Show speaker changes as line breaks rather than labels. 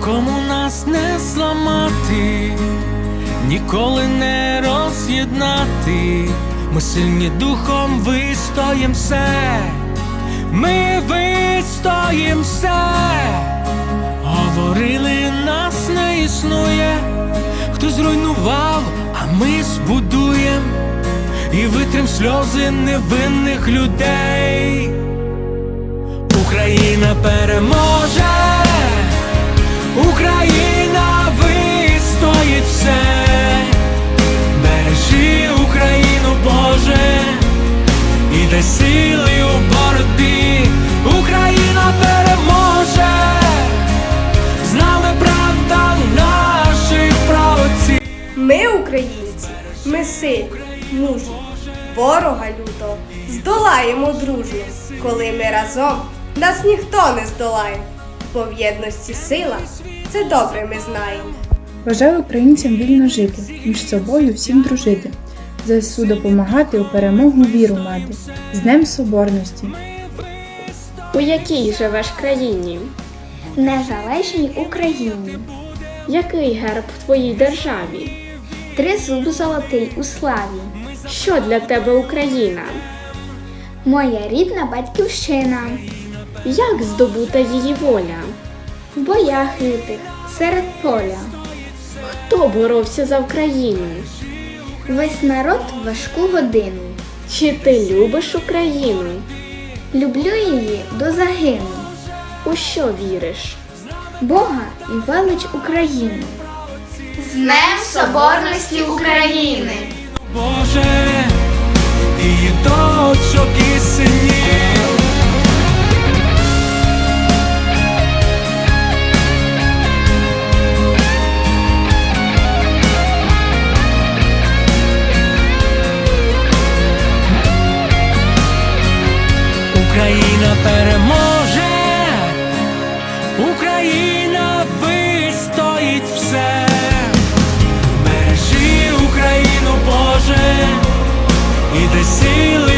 нікому нас не зламати, ніколи не роз'єднати. Ми сильні духом, вистоїм все, ми вистоїм все. Говорили, нас не існує, хтось зруйнував, а ми збудуєм і витрим сльози невинних людей. Україна переможе, Україна вистоїть все. Бережи Україну, Боже, і дай сили у боротьбі. Україна переможе, з нами правда наших праотців.
Ми, українці, ми сильні, мужні, ворога лютого здолаємо дружно. Коли ми разом, нас ніхто не здолає, бо в єдності сила, це добре ми знаємо.
Бажаю українцям вільно жити, між собою всім дружити, ЗСУ допомагати, у перемогу віру мати. З Днем Соборності!
У якій живеш країні?
Незалежній Україні.
Який герб в твоїй державі?
Тризуб золотий у славі.
Що для тебе Україна?
Моя рідна батьківщина.
Як здобута її воля?
В боях лютих, серед поля.
Хто боровся за Україну?
Весь народ в важку годину.
Чи ти любиш Україну?
Люблю її до загину.
У що віриш?
Бога і велич України.
З Днем Соборності України!
Боже, і дочок, і синів. Україна переможе, Україна вистоїть все. Бережи Україну, Боже, і дай сили